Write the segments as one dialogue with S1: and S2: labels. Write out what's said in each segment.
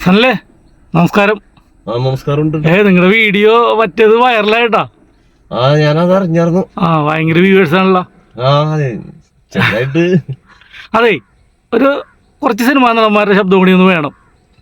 S1: അല്ലേ? നമസ്കാരം.
S2: നമസ്കാരം.
S1: നിങ്ങളുടെ വീഡിയോ മറ്റേത് വൈറലായിട്ടാ.
S2: ഞാനത് അറിഞ്ഞായിരുന്നു.
S1: ഭയങ്കര വ്യൂവേഴ്സ് ആണല്ലോ. അതെ, ഒരു കുറച്ച് സിനിമാ നടന്മാരുടെ ശബ്ദം കൂടി ഒന്ന് വേണം.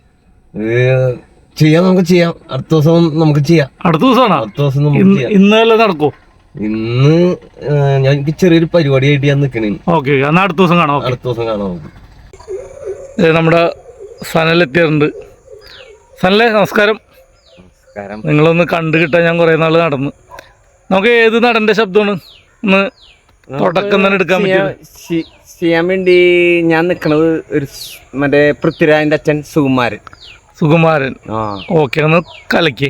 S2: നമുക്ക് ചെയ്യാം. അടുത്ത ദിവസം നമുക്ക് ചെയ്യാം.
S1: അടുത്ത ദിവസമാണോ? ഇന്നല്ലേ നടക്കൂ?
S2: ഇന്ന് എനിക്ക് ചെറിയൊരു പരിപാടിയായിട്ട് ഞാൻ നിൽക്കണേ.
S1: ഓക്കെ, എന്നാൽ അടുത്ത ദിവസം കാണാം.
S2: അടുത്ത ദിവസം കാണാം.
S1: നമ്മുടെ സനലെത്തിയിട്ടുണ്ട്. സനലെ, നമസ്കാരം. നിങ്ങളൊന്ന് കണ്ടു കിട്ടാൻ ഞാൻ കുറേ നാൾ നടന്നു. നമുക്ക് ഏത് നടന്റെ ശബ്ദമാണ് ഒന്ന് തുടക്കം തന്നെ എടുക്കാൻ
S3: ചെയ്യാൻ വേണ്ടി ഞാൻ നിൽക്കണത് ഒരു മറ്റേ പൃഥ്വിരാജിന്റെ അച്ഛൻ സുകുമാരൻ.
S1: ഓക്കെ, ഒന്ന് കലക്കി.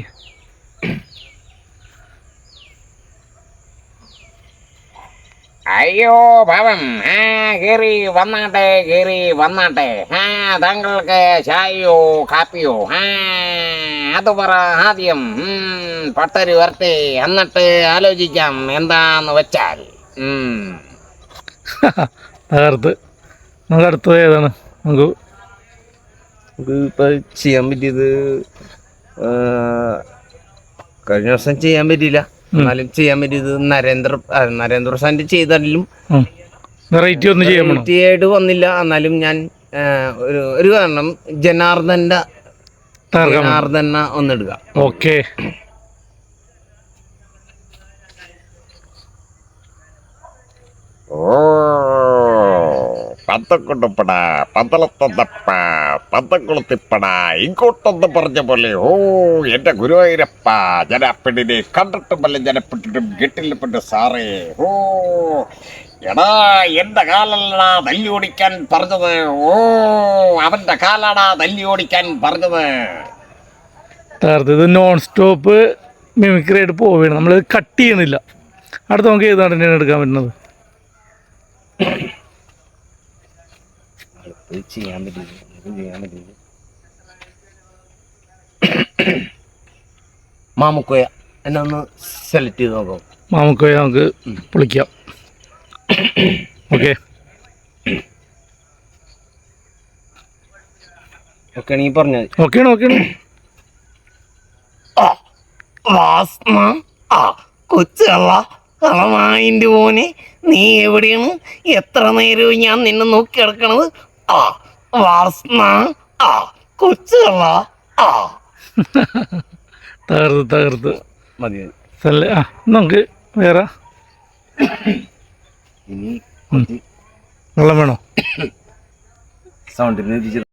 S4: അയ്യോ ഭവം, കേറി വന്നാട്ടെ. താങ്കൾക്ക് ചായയോ കാപ്പിയോ? അത് പറ ആദ്യം. പട്ടര് വരട്ടെ, എന്നിട്ട് ആലോചിക്കാം എന്താന്ന് വെച്ചാൽ.
S1: നമുക്ക് അടുത്തത് ഏതാണ്? നമുക്ക്
S3: ഇപ്പൊ ചെയ്യാൻ പറ്റിയത് കഴിഞ്ഞ ദിവസം ചെയ്യാൻ പറ്റിയില്ല. എന്നാലും ചെയ്യാൻ പറ്റിയത് നരേന്ദ്ര പ്രസാദ് ചെയ്താലും
S1: വെറൈറ്റി ഒന്നും
S3: ആയിട്ട് വന്നില്ല. എന്നാലും ഞാൻ ഒരു കാരണം ജനാർദ്ദന ഒന്നെടുക്കാം.
S1: ഓക്കെ.
S4: പന്തക്കൊണ്ടുപ്പട പന്തളത്തപ്പ പന്തക്കുളത്തിപ്പട ഇങ്ങോട്ടൊന്ന് പറഞ്ഞ പോലെ. എന്റെ ഗുരുവായൂരപ്പ, ജനപ്പെട്ടിനെ കണ്ടിട്ടുമല്ല ജനപ്പെട്ടിട്ടും കെട്ടിൽപ്പെട്ട് സാറേ. എടാ, എന്റെ കാലല്ലടാ തല്ലി ഓടിക്കാൻ പറഞ്ഞത്. അവന്റെ കാലാടാ തല്ലി ഓടിക്കാൻ പറഞ്ഞത്.
S1: ഇത് നോൺ സ്റ്റോപ്പ് മിമിക്രി ആയിട്ട് പോവുകയാണ്. നമ്മൾ കട്ട് ചെയ്യണില്ല. അടുത്ത് നമുക്ക് ഏത് നടനെയാണ് എടുക്കാൻ പറ്റുന്നത്?
S3: ചെയ്യാൻ പറ്റില്ല. മാമുക്കോയ എന്നെ ഒന്ന് സെലക്ട് ചെയ്ത് നോക്കാം.
S1: മാമുക്കോയ നമുക്ക് പൊളിക്കാം. ഓക്കെ
S3: ആണെങ്കിൽ പറഞ്ഞാൽ
S1: ഓക്കെയാണ്.
S3: കൊച്ചല്ല കളമായിന്റെ മോനെ, നീ എവിടെയാണ്? എത്ര നേരവും ഞാൻ നിന്നെ നോക്കി കിടക്കണത്. കൊച്ചല്ല.
S1: തകർത്ത്
S3: മതി.
S1: നമുക്ക് വേറെ
S3: ഇനി
S1: വെള്ളം വേണോ?
S3: സൗണ്ടിന്